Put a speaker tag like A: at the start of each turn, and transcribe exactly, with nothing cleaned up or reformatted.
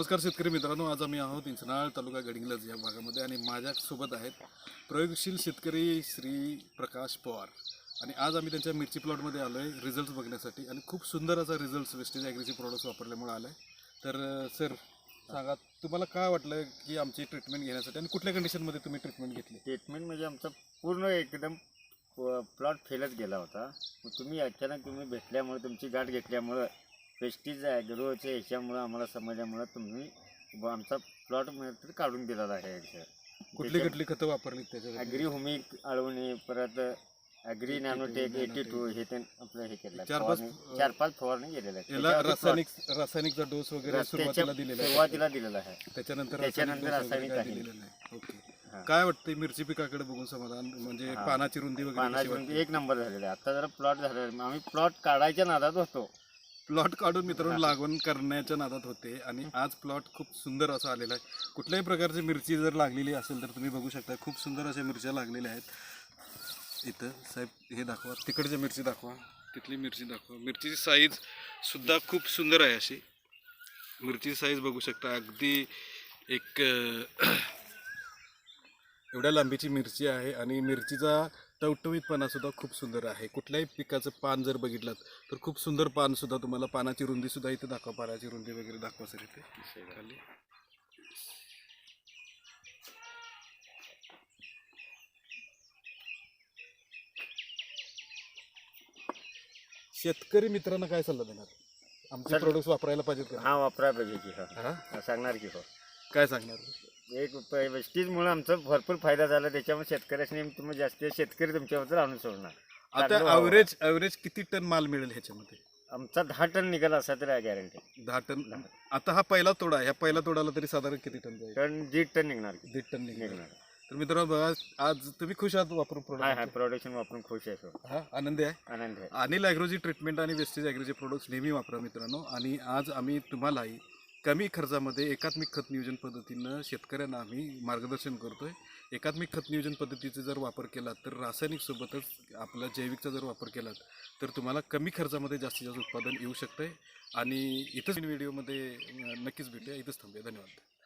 A: नमस्कार शेतकरी मित्रांनो, आज आम्ही आहोत इंचनाळ तालुका गडिंग्लज या भागामध्ये आणि माझ्यासोबत आहेत प्रयोगशील शेतकरी श्री प्रकाश पवार. आणि आज आम्ही त्यांच्या मिरची प्लॉटमध्ये आलो आहे रिझल्ट्स बघण्यासाठी आणि खूप सुंदर असा रिझल्ट्स वेस्टेज ॲग्रीचे प्रोडक्ट्स वापरल्यामुळे आला आहे. तर सर सांगा, तुम्हाला काय वाटलं की आमची ट्रीटमेंट घेण्यासाठी आणि कुठल्या कंडिशनमध्ये तुम्ही ट्रीटमेंट घेतली?
B: ट्रीटमेंट म्हणजे आमचा पूर्ण एकदम प्लॉट फेलच गेला होता. मग तुम्ही अचानक तुम्ही भेटल्यामुळे तुमची गाठ घेतल्यामुळं पेस्टीज ॲग्रोच्या ह्याच्यामुळं आम्हाला समजल्यामुळं तुम्ही ब- आमचा प्लॉट तर काढून दिलेला आहे.
A: कुठली कुठली खतं वापरली त्याच्यासाठी?
B: ॲग्री हुमिक आळवणी, परत ॲग्री नॅनोटेक एटी टू हे ते आपलं हे केलं.
A: चार पाच
B: चार पाच फवारणी गेलेल्या आहेत.
A: याला रासायनिक रासायनिकचा डोस वगैरे सुरुवातीला दिलेला आहे,
B: सुरुवातीला दिलेला आहे.
A: त्याच्यानंतर
B: त्याच्यानंतर
A: रासायनिक
B: रासायनिक
A: dose वगैरे
B: आहे.
A: दिलेलं आहे. ओके, काय वाटतं मिरची पिकाकडे बघून समाधान? म्हणजे
B: हा.
A: पानाची रुंदी वगैरे कशी
B: पानाची
A: वाटते?
B: रुंदी एक नंबर झालेला आहे. आता जरा प्लॉट झालेला आहे. आम्ही प्लॉट काढायच्या नादात होतो.
A: प्लॉट काढून मित्रांनो लागवण करण्याच्या नादात होते आणि आज प्लॉट खूप सुंदर असा आलेला आहे. कुठल्याही प्रकारची मिरची जर लागलेली असेल तर तुम्ही बघू शकता, खूप सुंदर अशा मिरच्या लागलेल्या आहेत. इथं साहेब हे दाखवा, तिकडच्या मिरची दाखवा, तिथली मिरची दाखवा. मिरचीची साईज सुद्धा खूप सुंदर आहे. अशी मिरचीची साईज बघू शकता, अगदी एक अं, एवढ्या लांबीची मिरची आहे आणि मिरचीचा टवटवीतपणा सुद्धा खूप सुंदर आहे. कुठल्याही पिकाचं पान जर बघितलं तर खूप सुंदर पान सुद्धा, तुम्हाला पानाची रुंदी सुद्धा इथे दाखवा, पानाची रुंदी वगैरे दाखवा सर इथे खाली. शेतकरी मित्रांना काय सल्ला देणार? आमचे प्रोडक्ट्स वापरायला पाहिजेत का?
B: हा वापरायला पाहिजे की.
A: हा?
B: हा सांगणार की. हो,
A: काय सांगणार?
B: एक वेस्टीजमुळे आमचा भरपूर फायदा झाला. त्याच्यामुळे शेतकऱ्याने तुम्ही जास्त शेतकरी तुमच्याबद्दल आणून सोडणार.
A: आता ॲव्हरेज ॲव्हरेज किती टन माल मिळेल ह्याच्यामध्ये?
B: आमचा दहा टन निघाला असा तरी गॅरंटी.
A: दहा टन. आता हा पहिला तोडा, ह्या पहिला तोडाला तरी साधारण किती टन जाईल?
B: टन दीड टन निघणार की.
A: दीड टन निघणार.
B: निघणार.
A: तर मित्रांनो बघा, आज तुम्ही खुश आहात वापरून
B: हा
A: प्रोडक्ट?
B: हा प्रोडक्शन वापरून खुश आहे. सर
A: हा, आनंदी आहे.
B: आनंद आहे.
A: अनिल ॲग्रोची ट्रीटमेंट आणि वेस्टेज ॲग्रोचे प्रोडक्ट्स नेहमी वापरा मित्रांनो. आणि आज आम्ही तुम्हालाही कमी खर्चामध्ये एकात्मिक खत नियोजन पद्धतीनं शेतकऱ्यांना आम्ही मार्गदर्शन करतोय. एकात्मिक खत नियोजन पद्धतीचा जर वापर केला तर रासायनिकसोबतच आपला जैविकचा जर वापर केला तर तुम्हाला कमी खर्चामध्ये जास्तीत जास्त उत्पादन येऊ शकतं. आणि इथंच व्हिडिओमध्ये नक्कीच भेटूया. इथंच थांबूया. धन्यवाद.